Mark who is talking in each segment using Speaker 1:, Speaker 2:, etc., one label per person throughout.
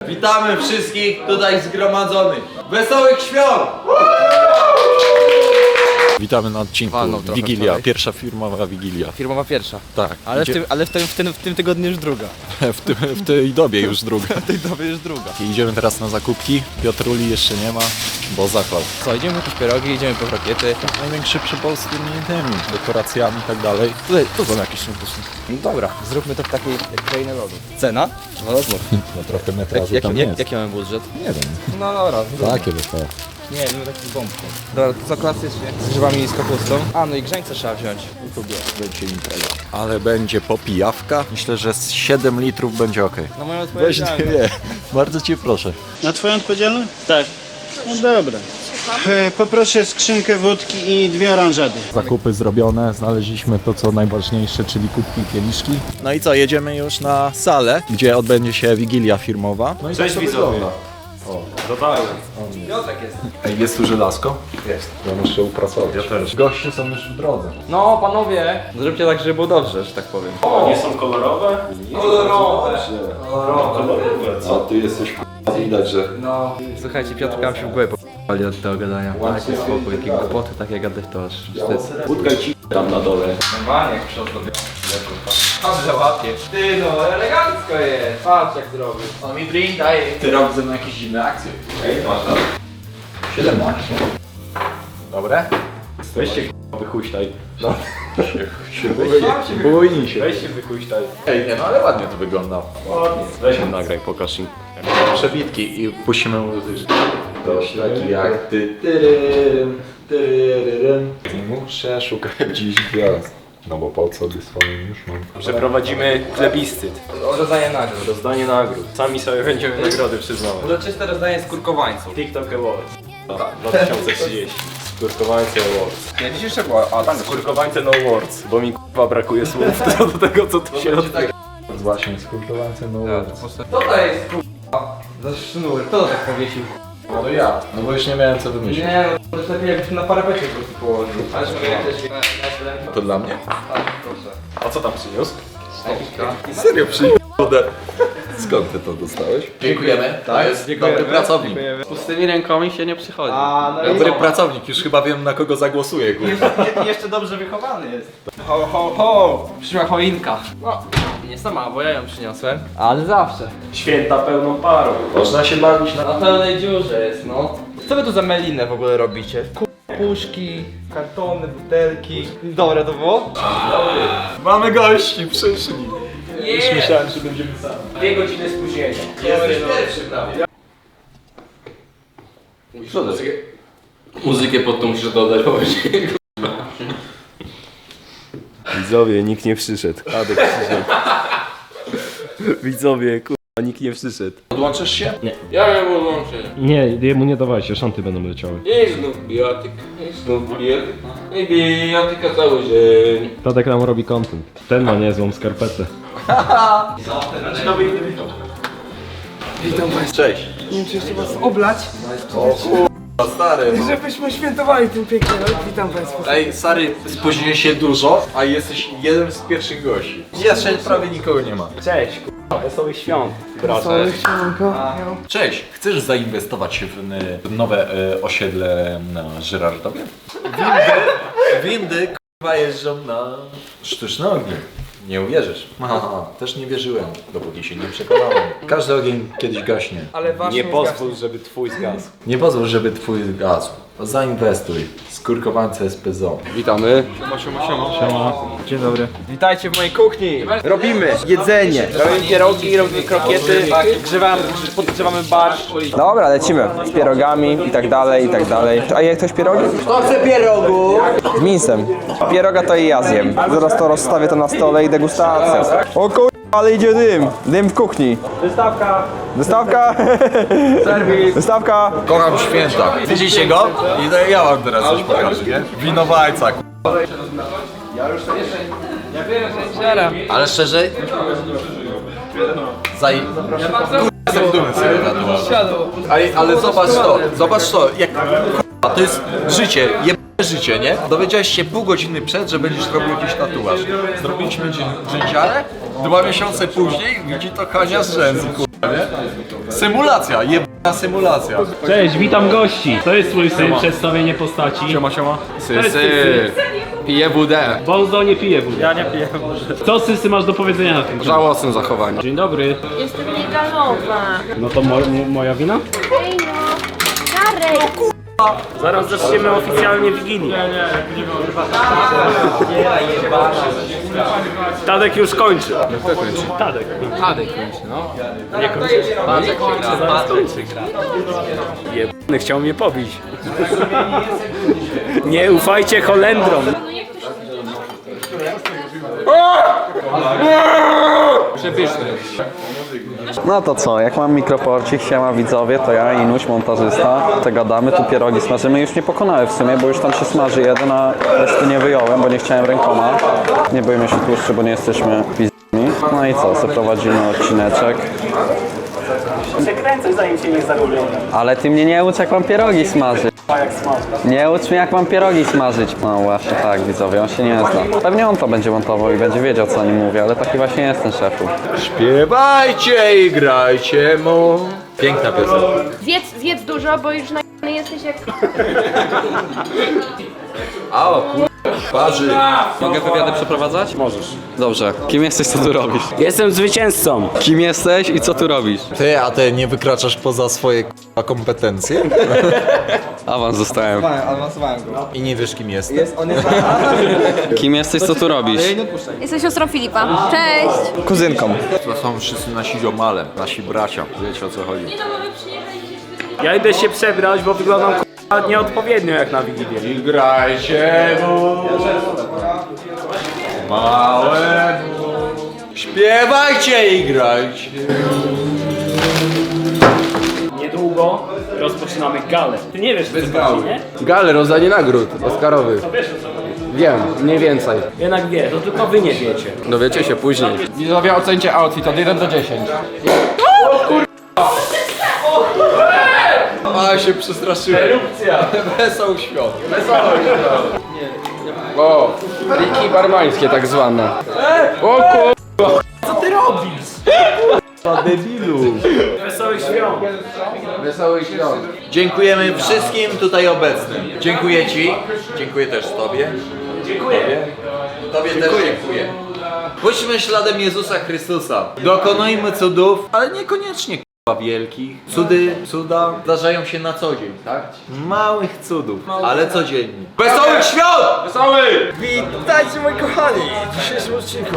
Speaker 1: Witamy wszystkich tutaj zgromadzonych. Wesołych świąt!
Speaker 2: Witamy na odcinku Wigilia, pierwsza firmowa Wigilia.
Speaker 3: Firmowa pierwsza.
Speaker 2: Tak.
Speaker 3: Ale w tym tygodniu już druga.
Speaker 2: W tej dobie już druga.
Speaker 3: W tej dobie już druga.
Speaker 2: I idziemy teraz na zakupki. Piotruli jeszcze nie ma, bo zachlał.
Speaker 3: Co, idziemy po jakieś pierogi, idziemy po krokiety.
Speaker 2: Największy przypał z tymi tymi dekoracjami i tak dalej.
Speaker 3: Tutaj, tu są jakieś szynkusy. No dobra, zróbmy to w takiej krainie lodu. Cena? No dobra.
Speaker 2: No trochę metrażu tam jest.
Speaker 3: Jaki mamy budżet?
Speaker 2: Nie wiem.
Speaker 3: No dobra.
Speaker 2: Takie by to.
Speaker 3: Nie, no taki bombką. Dobra, to co klasycznie? Z grzybami i z kapustą. A, no i grzańce trzeba wziąć.
Speaker 2: Będzie impreza. Ale będzie popijawka. Myślę, że z 7 litrów będzie ok.
Speaker 3: No moja
Speaker 2: Weź
Speaker 3: odpowiedzialność.
Speaker 2: nie, bardzo cię proszę.
Speaker 4: Na twoją odpowiedzialność? Tak. No dobra. Poproszę skrzynkę wódki i 2 oranżady.
Speaker 2: Zakupy zrobione, znaleźliśmy to co najważniejsze, czyli kubki i kieliszki. No i co, jedziemy już na salę, gdzie odbędzie się Wigilia firmowa. No i
Speaker 5: Cześć widzowie. Dotarłem.
Speaker 2: Ej, jest tu żelazko? Jest. Ja muszę uprasować.
Speaker 5: Ja też.
Speaker 2: Goście są już w drodze.
Speaker 3: No panowie, zróbcie tak, żeby było dobrze, że tak powiem.
Speaker 5: Nie są kolorowe?
Speaker 1: Kolorowe!
Speaker 5: Kolorowe, co?
Speaker 2: A ty jesteś widać, że...
Speaker 3: No. Słuchajcie, Piotr nam się w głowę p***ali od tego gadania. Dajcie spokój, jakie głupoty takie gadać to aż wstyd.
Speaker 5: Budka ci tam na dole.
Speaker 3: Normalnie jak przed sobie. Dobrze łapie. Ty no, elegancko jest. Patrz jak zrobił.
Speaker 1: On mi drink daje.
Speaker 2: Ty robisz ze mną jakieś dziwne akcje.
Speaker 5: Ej, masz tam.
Speaker 2: 17.
Speaker 3: Dobre?
Speaker 5: Weź się wychuśtaj.
Speaker 2: Bójnij się.
Speaker 5: Weź się wychuśtaj.
Speaker 2: Ej, nie no, ale ładnie to wygląda.
Speaker 5: Ładnie. Weź ją nagraj, pokaż im.
Speaker 2: Przebitki i puścimy muzyczkę. Dość taki jak ty. Tyryrym, tyryrym. Muszę szukać dziś gwiazd. No bo po co by swoim już mam.
Speaker 5: Przeprowadzimy plebiscyt.
Speaker 3: Rozdanie nagród.
Speaker 5: Rozdanie nagród. Sami sobie będziemy nagrody przyznawać.
Speaker 3: Uroczyste rozdanie skórkowańców.
Speaker 5: TikTok Awards. 2030. Skórkowańce Awards.
Speaker 3: Nie, dziś jeszcze była. A tam
Speaker 5: Skórkowańce No Awards, bo mi k***a brakuje słów do tego co tu się odbywa.
Speaker 2: Właśnie, skultowańce no
Speaker 3: Co to jest k***a? Za sznur, kto to tak powiesił?
Speaker 2: No ja. No bo już nie miałem co wymyślić.
Speaker 3: Nie, no to lepiej jakbyś na parapecie po prostu położył. Ale też
Speaker 2: To dla mnie?
Speaker 3: Tak, proszę.
Speaker 5: A co tam przyniósł?
Speaker 2: Serio przyjdę. Skąd ty to dostałeś? Dziękujemy. To jest dobry pracownik.
Speaker 3: Z pustymi rękami się nie przychodzi.
Speaker 2: Dobry pracownik, już chyba wiem na kogo zagłosuję.
Speaker 3: Jeszcze dobrze wychowany jest. Ho, ho, ho! Przyszła choinka. No, nie sama, bo ja ją przyniosłem. Ale zawsze.
Speaker 5: Święta pełną parą.
Speaker 2: Można się bawić
Speaker 3: Na pełnej dziurze jest, no. Co wy tu za melinę w ogóle robicie? Puszki, kartony, butelki. Dobre to było?
Speaker 2: Mamy gości, przyszli.
Speaker 3: Już
Speaker 2: Myślałem, że będziemy sami.
Speaker 3: 2 godziny spóźnienia.
Speaker 1: Jesteś pierwszy prawie.
Speaker 6: Muzykę pod to musisz dodać, bo będzie.
Speaker 5: Widzowie, nikt nie przyszedł. Adek przyszedł. Widzowie, kurwa, nikt nie przyszedł.
Speaker 2: Odłączysz się?
Speaker 6: Ja nie podłączę.
Speaker 7: Nie, jemu nie dawajcie, szanty będą leciały.
Speaker 6: I znów bijatyk, i znów bijatyk, i bijatyka cały dzień.
Speaker 7: Tadek nam robi content. Ten ma niezłą skarpetę.
Speaker 2: Cześć.
Speaker 8: Nie wiem, czy jeszcze was oblać,
Speaker 2: Stary.
Speaker 8: żebyśmy świętowali ten piękny rok. Witam państwa.
Speaker 2: Ej, stary, spóźniłeś się dużo, a jesteś jednym z pierwszych gości. Jeszcze prawie nikogo nie ma.
Speaker 5: Cześć, kurwa, wesołych świąt, bracie.
Speaker 8: Całe śmiewanko.
Speaker 2: Cześć, chcesz zainwestować w nowe osiedle na Żyrardowie? Windy k***a jeżdżą na sztuczny ogień. Nie uwierzysz. Aha, też nie wierzyłem, dopóki się nie przekonałem. Każdy ogień kiedyś gaśnie.
Speaker 3: Ale wasz
Speaker 5: Nie pozwól, żeby twój zgasł.
Speaker 2: Nie pozwól, żeby twój zgasł. Zainwestuj. Skórkowańce SPZO.
Speaker 6: Witamy.
Speaker 3: Dzień dobry. Witajcie w mojej kuchni. Robimy jedzenie. Robimy pierogi, robimy krokiety, podgrzewamy barszcz.
Speaker 9: Dobra, lecimy. Z pierogami i tak dalej, i tak dalej. A jak ktoś pierogi?
Speaker 1: Kto chce pierogu?
Speaker 9: Z mięsem. Pieroga to i ja zjem. Zaraz to rozstawię to na stole i degustacja. O kur... ale idzie dym. Dym w kuchni. Wystawka. Wystawka. Serwis. Wystawka.
Speaker 2: Kocham święta. Widzicie go? I to ja wam teraz coś pokażę, nie? Winowajca, k***a. Ale szczerze... Jestem dumny z tego tatuażu. Ale zobacz to, jak k***a, to jest życie, życie, nie? Dowiedziałeś się pół godziny przed, że będziesz robił jakiś tatuaż. Zrobiliśmy dzięciarę, 2 miesiące później widzi to Hania z rzęsy, k***a. nie? Symulacja, jebana symulacja.
Speaker 7: Cześć, witam gości. To jest twój syn, przedstawienie postaci.
Speaker 5: Siema, siema.
Speaker 7: To jest Sysy.
Speaker 5: Pije WD.
Speaker 7: Bonzo nie pije wódę. Ja nie piję wódę. Co Sysy masz do powiedzenia na ten temat?
Speaker 5: Żałosne zachowanie.
Speaker 7: Dzień dobry.
Speaker 10: Jestem niegalowa.
Speaker 7: No to moja wina?
Speaker 10: Ej no, Darek!
Speaker 7: Zaraz zaczniemy oficjalnie Wigilię. Tadek już kończy.
Speaker 5: Kto kończy?
Speaker 7: Tadek.
Speaker 5: Tadek kończy, no.
Speaker 7: Nie kończy. Tadek kończy, zaraz kończy. Jebany chciał mnie pobić. Nie ufajcie Holendrom.
Speaker 5: Przepyszny.
Speaker 9: No to co, jak mam mikroporcik, siema widzowie, to ja, Inuś, montażysta, to gadamy, tu pierogi smażymy. Już nie pokonałem w sumie, bo już tam się smaży jeden, a reszty nie wyjąłem, bo nie chciałem rękoma. Nie boimy się tłuszczy, bo nie jesteśmy pizdami. No i co, zaprowadzimy odcineczek.
Speaker 7: Przekręcaj zanim się nie zagubią.
Speaker 9: Ale ty mnie nie ucz, jak mam pierogi smażyć. Nie ucz mnie, jak mam pierogi smażyć. No właśnie tak, widzowie, on się nie zna. Pewnie on to będzie montował i będzie wiedział, co o nim mówię, ale taki właśnie jest ten szefu.
Speaker 2: Śpiewajcie i grajcie mu. Piękna piosenka.
Speaker 10: Zjedz dużo, bo już na jesteś jak...
Speaker 2: A o kur... Parzy.
Speaker 9: Mogę wywiady przeprowadzać? Możesz. Dobrze. Kim jesteś, co tu robisz?
Speaker 7: Jestem zwycięzcą.
Speaker 9: Kim jesteś i co tu robisz?
Speaker 2: Ty, a ty nie wykraczasz poza swoje k***a kompetencje?
Speaker 9: Awans dostałem.
Speaker 2: I nie wiesz kim jesteś?
Speaker 9: Kim jesteś, co tu robisz?
Speaker 10: Jestem siostrą Filipa. Cześć!
Speaker 9: Kuzynką.
Speaker 2: To są wszyscy nasi ziomale, nasi bracia. Wiecie o co chodzi.
Speaker 7: Ja idę się przebrać, bo wyglądam nieodpowiednio jak na Wigilię.
Speaker 2: I grajcie mu. Małemu. Śpiewajcie i grajcie.
Speaker 7: Niedługo rozpoczynamy galę. Ty nie wiesz, co to chodzi, nie?
Speaker 5: Gale, rozdanie nagród Oscarowych.
Speaker 7: To wiesz, o co chodzi.
Speaker 5: Wiem, mniej więcej.
Speaker 7: Jednak wie, to tylko wy nie wiecie.
Speaker 5: Dowiecie się później. Widzowie, ocencie outfit od 1 do 10.
Speaker 2: A się przestraszyłem.
Speaker 7: Erupcja!
Speaker 2: Wesoł świąt.
Speaker 5: O, triki barmańskie tak zwane. O kur...
Speaker 7: Co ty robisz?
Speaker 2: Debilu.
Speaker 7: Wesołych świąt!
Speaker 5: Wesoły świąt.
Speaker 2: Dziękujemy wszystkim tutaj obecnym. Dziękuję ci. Dziękuję też tobie.
Speaker 7: Dziękuję.
Speaker 2: Tobie też dziękuję. Pójdźmy śladem Jezusa Chrystusa. Dokonujmy cudów, ale niekoniecznie k***a wielkich. Cuda zdarzają się na co dzień, tak? Małych cudów, ale codziennie. Wesołych świąt!
Speaker 5: Wesoły!
Speaker 3: Witajcie moi kochani w dzisiejszym odcinku.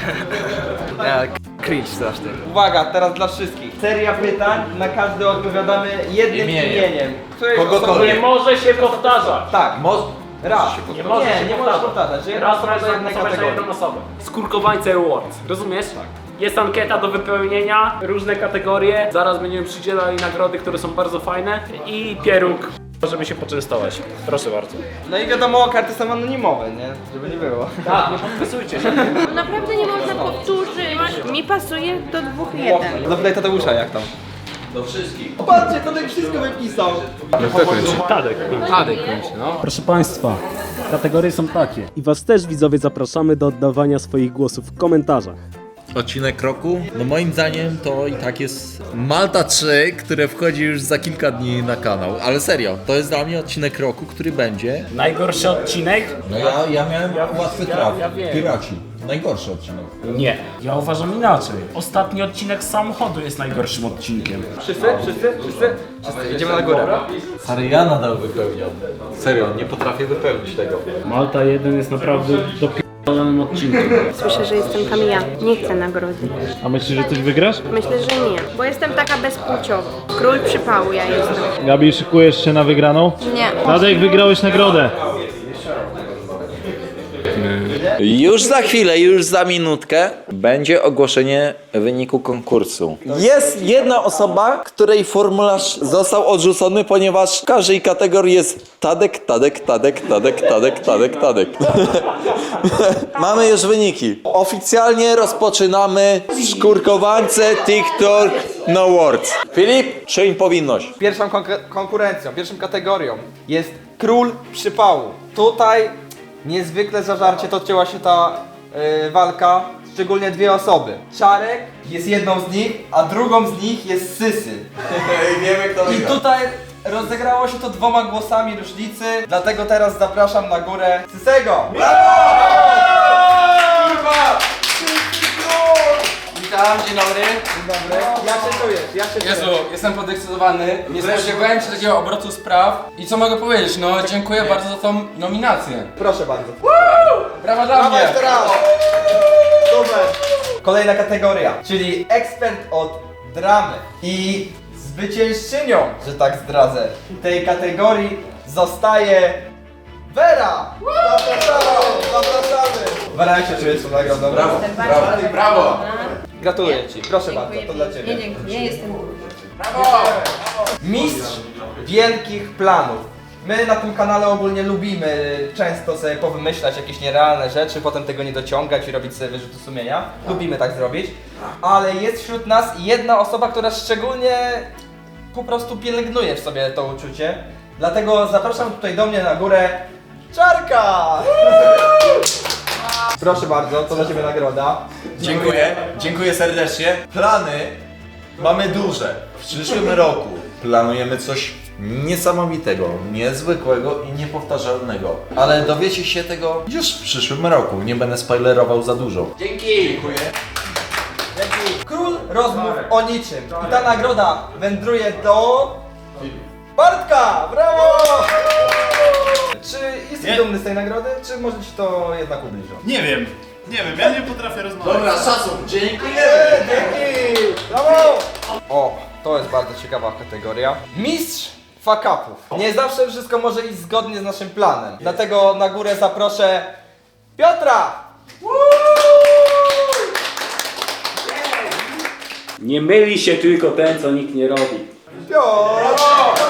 Speaker 3: Cringe straszny. Uwaga, teraz dla wszystkich. Seria pytań, na każdy odpowiadamy jednym imieniem.
Speaker 2: Kogokolwiek.
Speaker 7: Nie może się powtarzać.
Speaker 3: Tak, raz.
Speaker 7: Nie może się
Speaker 3: nie możesz powtarzać, że jedna
Speaker 7: Raz
Speaker 3: osoba
Speaker 7: raz
Speaker 3: do jednej
Speaker 7: na jedną
Speaker 3: kategorii.
Speaker 7: osobę. Skórkowańce Awards. Rozumiesz? Tak. Jest ankieta do wypełnienia, różne kategorie. Zaraz będziemy przydzielali nagrody, które są bardzo fajne. I pieróg, żeby się poczęstować. Proszę bardzo.
Speaker 3: No i wiadomo, karty są anonimowe, nie? Żeby nie było.
Speaker 7: Tak, nie podpisujcie się.
Speaker 10: Naprawdę nie można powtórzyć. Mi pasuje do 2-1.
Speaker 3: Zapytaj Tadeusza, jak tam.
Speaker 2: Do wszystkich.
Speaker 3: Patrzcie, Tadek wszystko wypisał.
Speaker 5: No kto kończy?
Speaker 7: Tadek.
Speaker 5: Tadek kończy, no.
Speaker 11: Proszę Państwa, kategorie są takie. I Was też, widzowie, zapraszamy do oddawania swoich głosów w komentarzach.
Speaker 2: Odcinek roku? No moim zdaniem to i tak jest Malta 3, które wchodzi już za kilka dni na kanał. Ale serio, to jest dla mnie odcinek roku, który będzie...
Speaker 7: Najgorszy odcinek?
Speaker 2: No ja miałem łatwy traf.
Speaker 7: ja wiem.
Speaker 2: Piraci. Najgorszy odcinek.
Speaker 7: Nie. Ja uważam inaczej. Ostatni odcinek z samochodu jest najgorszym odcinkiem.
Speaker 3: Wszyscy? Idziemy na górę.
Speaker 2: Stary, ja nadal wypełniam. Serio, nie potrafię wypełnić tego.
Speaker 11: Malta 1 jest naprawdę dopierdolonym odcinkiem.
Speaker 10: Słyszę, że jestem Kamila. Nie chcę nagrody.
Speaker 11: A myślisz, że coś wygrasz?
Speaker 10: Myślę, że nie, bo jestem taka bezpłciowa. Król przypału ja jestem.
Speaker 11: Gabi, szykujesz się na wygraną?
Speaker 10: Nie.
Speaker 11: Tadek, wygrałeś nagrodę.
Speaker 1: Już za chwilę, już za minutkę będzie ogłoszenie wyniku konkursu. Jest jedna osoba, której formularz został odrzucony, ponieważ w każdej kategorii jest Tadek. Mamy już wyniki. Oficjalnie rozpoczynamy Skórkowańce TikTok No Words. Filip, czyń powinność.
Speaker 3: Pierwszą konkurencją, pierwszą kategorią jest Król Przypału. Tutaj niezwykle zażarcie toczyła się ta walka.
Speaker 9: szczególnie dwie osoby. Czarek jest jedną z nich, a drugą z nich jest Sysy.
Speaker 1: Wiemy kto
Speaker 9: I tutaj rozegrało się to 2 głosami różnicy, dlatego teraz zapraszam na górę Sysego.
Speaker 3: Witam, dzień dobry.
Speaker 9: Dzień dobry. Jak się czujesz? Jak się
Speaker 3: Jezu,
Speaker 9: czujesz?
Speaker 3: jestem podekscytowany. Nie spodziewałem się takiego obrotu spraw. I co mogę powiedzieć? No, dziękuję bardzo za tą nominację.
Speaker 9: Proszę bardzo.
Speaker 3: Brawa dla mnie.
Speaker 9: jeszcze raz. Super. Kolejna kategoria, czyli ekspert od dramy. I zwyciężczynią, że tak zdradzę, tej kategorii zostaje Vera! Zapraszamy! Zapraszamy! Vera, jak się czujesz z tą nagrodą? Brawo!
Speaker 3: Brawo.
Speaker 9: Gratuluję Ci, proszę bardzo, to dla Ciebie.
Speaker 10: Nie, dziękuję, jestem
Speaker 9: Mistrz wielkich planów. My na tym kanale ogólnie lubimy często sobie powymyślać jakieś nierealne rzeczy, potem tego nie dociągać i robić sobie wyrzuty sumienia. Lubimy tak zrobić. Ale jest wśród nas jedna osoba, która szczególnie po prostu pielęgnuje w sobie to uczucie. Dlatego zapraszam tutaj do mnie na górę Czarka! Proszę bardzo, to dla Ciebie nagroda.
Speaker 2: Dziękuję serdecznie. Plany mamy duże. W przyszłym roku planujemy coś niesamowitego, niezwykłego i niepowtarzalnego. Ale dowiecie się tego już w przyszłym roku. Nie będę spoilerował za dużo.
Speaker 9: Król rozmów o niczym. I ta nagroda wędruje do Bartka! Brawo! Czy jesteś dumny z tej nagrody, czy może Ci to jednak ubliża?
Speaker 4: Nie wiem, ja nie potrafię rozmawiać.
Speaker 2: Dobra, szacun, dziękuję!
Speaker 9: Dzięki! Brawo! O, to jest bardzo ciekawa kategoria. Mistrz fuck-upów. Nie zawsze wszystko może iść zgodnie z naszym planem. Dlatego na górę zaproszę Piotra!
Speaker 7: Nie myli się tylko ten, co nikt nie robi.
Speaker 9: Piotr!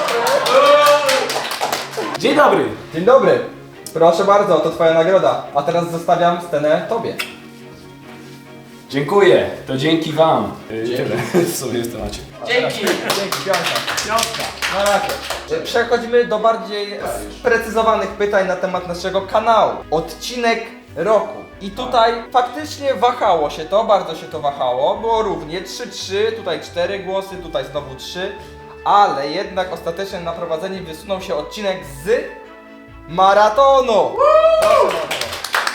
Speaker 7: Dzień dobry.
Speaker 9: Dzień dobry. Proszę bardzo, to Twoja nagroda. A teraz zostawiam scenę Tobie.
Speaker 7: Dziękuję, to dzięki wam. Tyle w sumie w temacie.
Speaker 9: Dzięki, Piątka. Na razie. Przechodzimy do bardziej sprecyzowanych pytań na temat naszego kanału. Odcinek roku. I tutaj faktycznie wahało się to, bardzo się to wahało. Było równie 3-3, tutaj 4 głosy, tutaj znowu 3. Ale jednak ostatecznie na prowadzenie wysunął się odcinek z maratonu. Proszę bardzo.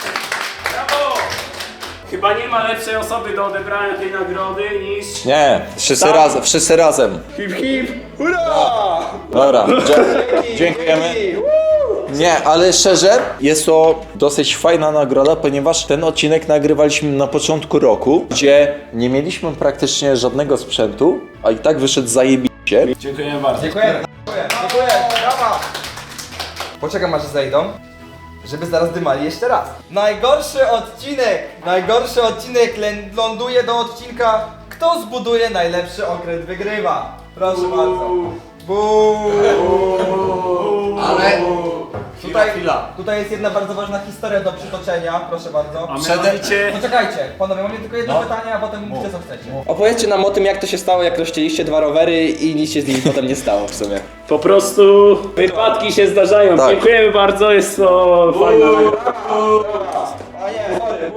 Speaker 7: Chyba nie ma lepszej osoby do odebrania tej nagrody niż...
Speaker 1: Nie, wszyscy razem.
Speaker 9: Hip hip, hurra!
Speaker 1: Dobra, dziękujemy. Nie, ale szczerze, jest to dosyć fajna nagroda, ponieważ ten odcinek nagrywaliśmy na początku roku, gdzie nie mieliśmy praktycznie żadnego sprzętu, a i tak wyszedł zajebiście.
Speaker 7: Dziękujemy bardzo.
Speaker 9: Dziękujemy, dziękuję, brawa! Poczekam aż zejdą, żeby zaraz dymali jeszcze raz. Najgorszy odcinek ląduje do odcinka Kto zbuduje najlepszy okręt wygrywa. Proszę bardzo. Ale tutaj jest jedna bardzo ważna historia do przytoczenia, proszę bardzo.
Speaker 7: A mianowicie...
Speaker 9: Poczekajcie, panowie, mam tylko jedno pytanie, a potem mówcie co chcecie.
Speaker 3: Opowiedzcie nam o tym, jak to się stało, jak rozcięliście 2 rowery i nic się z nimi potem nie stało w sumie.
Speaker 7: Po prostu wypadki się zdarzają.
Speaker 1: Tak.
Speaker 7: Dziękujemy bardzo, jest to fajna nagroda.
Speaker 9: A nie, sorry.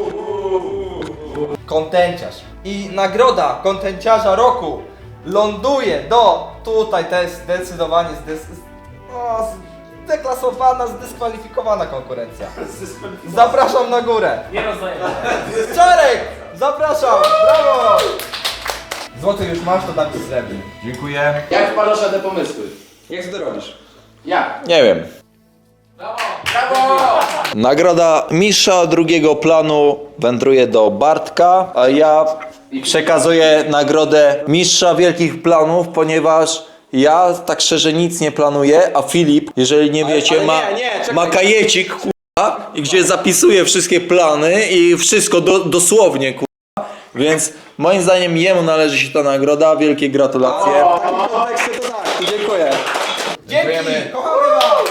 Speaker 9: Kontenciarz. I nagroda kontenciarza roku ląduje do... Tutaj to jest zdecydowanie zdeklasowana, zdyskwalifikowana konkurencja. Zapraszam na górę.
Speaker 7: Nie rozdajemy.
Speaker 9: Czarek! Zapraszam! Brawo! Złoty już masz, to dam ci srebrny.
Speaker 2: Dziękuję.
Speaker 6: Jak wpadasz na te pomysły?
Speaker 3: Jak to robisz?
Speaker 6: Jak?
Speaker 1: Nie wiem. Nagroda mistrza drugiego planu wędruje do Bartka, a ja przekazuję nagrodę mistrza wielkich planów, ponieważ ja tak szczerze nic nie planuję, a Filip, jeżeli nie wiecie,
Speaker 3: czekaj.
Speaker 1: ma kajecik, kurwa, i gdzie zapisuje wszystkie plany i wszystko dosłownie, kurwa. Więc moim zdaniem jemu należy się ta nagroda, wielkie gratulacje.
Speaker 9: Dziękuję. Dzięki! Kochamy was!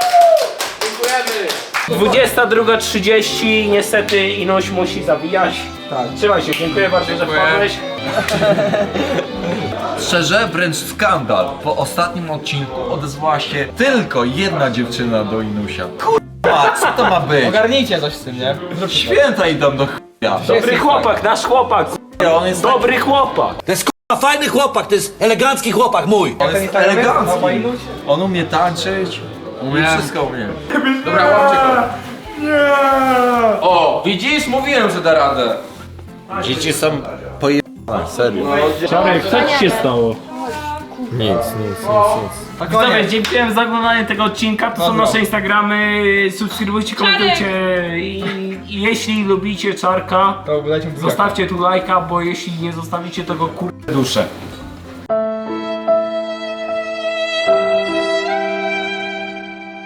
Speaker 7: 22:30, niestety Inoś musi zawijać.
Speaker 9: Tak.
Speaker 7: Trzymaj się, dziękuję bardzo, że wpadłeś.
Speaker 2: Szczerze, wręcz skandal. Po ostatnim odcinku odezwała się tylko jedna dziewczyna do Inusia. Kurwa, co to ma być?
Speaker 9: Ogarnijcie coś z tym, nie?
Speaker 2: Święta idą do
Speaker 7: Dobry chłopak, nasz chłopak.
Speaker 1: On jest
Speaker 7: Dobry chłopak.
Speaker 6: To jest k***a fajny chłopak, to jest elegancki chłopak mój.
Speaker 1: On jest elegancki. On umie tańczyć, umie wszystko umie.
Speaker 6: Dobra, łapcie go. O, widzisz? Mówiłem, że da radę.
Speaker 1: Dzieci są pojebane, serio.
Speaker 7: Czarek, co ci się stało?
Speaker 1: Nic.
Speaker 7: Widzowie, dziękuję za oglądanie tego odcinka. To są nasze Instagramy. Subskrybujcie, komentujcie. I jeśli lubicie Czarka, zostawcie tu lajka, bo jeśli nie zostawicie, to go duszę.